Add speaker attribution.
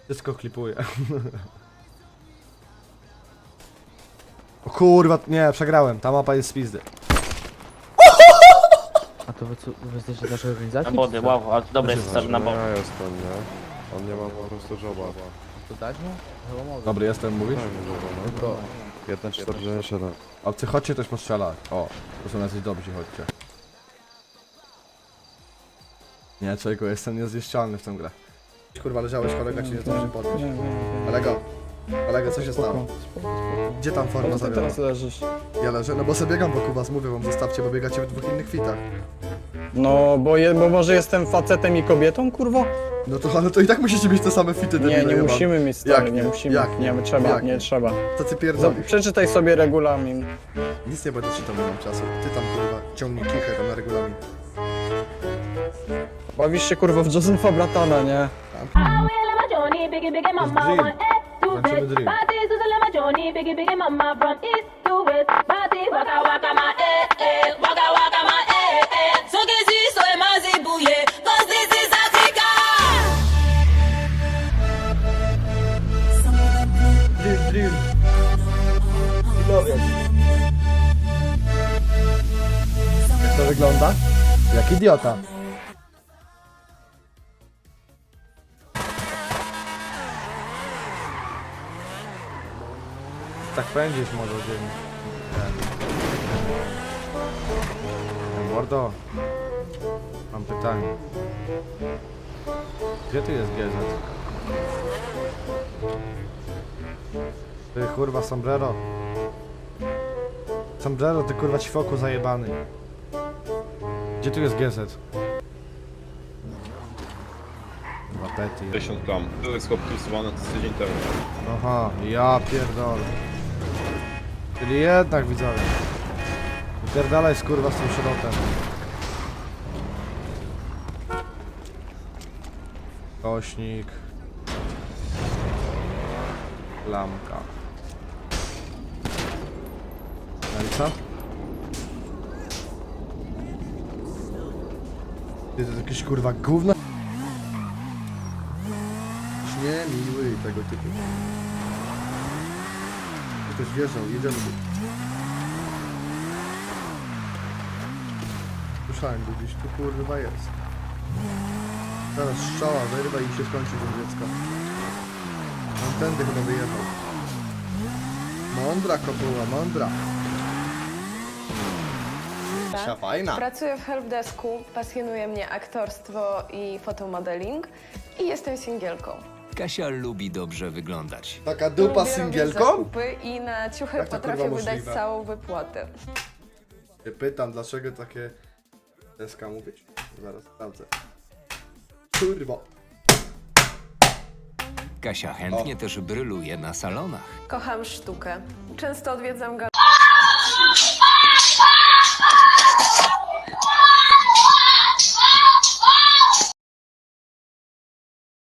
Speaker 1: Wszystko klipuję. O kurwa, nie, przegrałem. Ta mapa jest z pizdy.
Speaker 2: A to wy jesteście naszej organizacji?
Speaker 3: Na body, wow, ale to dobre jest
Speaker 1: Proszę
Speaker 3: stary na body.
Speaker 4: Ja jestem, nie? On nie ma po prostu joba.
Speaker 2: To dać mu? Chyba mogę.
Speaker 1: Dobry jestem, mówisz?
Speaker 4: Daj mu joba, no.
Speaker 2: To.
Speaker 4: 1,47.
Speaker 1: Obcy, chodźcie też postrzelać. O, to są jacyś dobrzy, chodźcie. Nie, człowieku, jestem niezniszczalny w tę grę. Kurwa, leżałeś, kolega ci nie zdąży podnieść. Kolego, co się stało? Gdzie tam forma
Speaker 5: Ty
Speaker 1: zawiera?
Speaker 5: teraz leżysz.
Speaker 1: Ja leżę, no bo sobie biegam wokół was, mówię wam, zostawcie, bo biegacie w dwóch innych kwitach.
Speaker 5: No, bo może jestem facetem i kobietą, kurwa?
Speaker 1: No to, ale to i tak musicie mieć te same fity,
Speaker 5: Nie, nie musimy mieć stary,
Speaker 1: Jak
Speaker 5: nie
Speaker 1: nie?
Speaker 5: musimy.
Speaker 1: Jak nie?
Speaker 5: Nie, trzeba,
Speaker 1: Jak
Speaker 5: nie
Speaker 1: nie?
Speaker 5: trzeba.
Speaker 1: Co ty pierdolisz?
Speaker 5: Przeczytaj sobie regulamin.
Speaker 1: Nic nie będę czytał, nie mam czasu. Ty tam, kurwa, ciągnij kichę tam na regulamin.
Speaker 5: Bawisz się kurwa w Josepha Bratana, nie?
Speaker 1: Tańczymy drill. Drill. Jak to wygląda? Jak idiota. Tak pędzisz może dzień. Mordo, mam pytanie. Gdzie tu jest GZ? Ty kurwa sombrero. Sombrero, ty kurwa ćwoku zajebany. Gdzie tu jest GZ? Kurwa pety.
Speaker 6: 50 gram. To jest chłop trusowany tydzień temu.
Speaker 1: Aha, ja pierdolę. Czyli jednak widzowie. Pierdalaj skurwa z tym środem. Kośnik. Lamka. No i co? Ty to jest jakieś kurwa gówno? Nie miły tego typu. Ktoś wjeżdżał, jedziemy tu. Słyszałem go gdzieś, tu kurwa jest. Teraz strzała wyrwa i się skończy do dziecka. On tędy chyba wyjechał. Mądra kopuła, mądra. Fajna.
Speaker 7: Pracuję w helpdesku, pasjonuje mnie aktorstwo i fotomodeling i jestem singielką.
Speaker 8: Kasia lubi dobrze wyglądać.
Speaker 1: Taka dupa
Speaker 7: Lubię robić
Speaker 1: singielką?
Speaker 7: zakupy i na ciuchy
Speaker 1: Jak to,
Speaker 7: potrafię
Speaker 1: kurwa,
Speaker 7: wydać
Speaker 1: możliwe?
Speaker 7: całą wypłatę.
Speaker 1: Się pytam, dlaczego takie deska mówić? Zaraz sprawdzę. Kurwa.
Speaker 8: Kasia chętnie też bryluje na salonach.
Speaker 7: Kocham sztukę. Często odwiedzam galerię.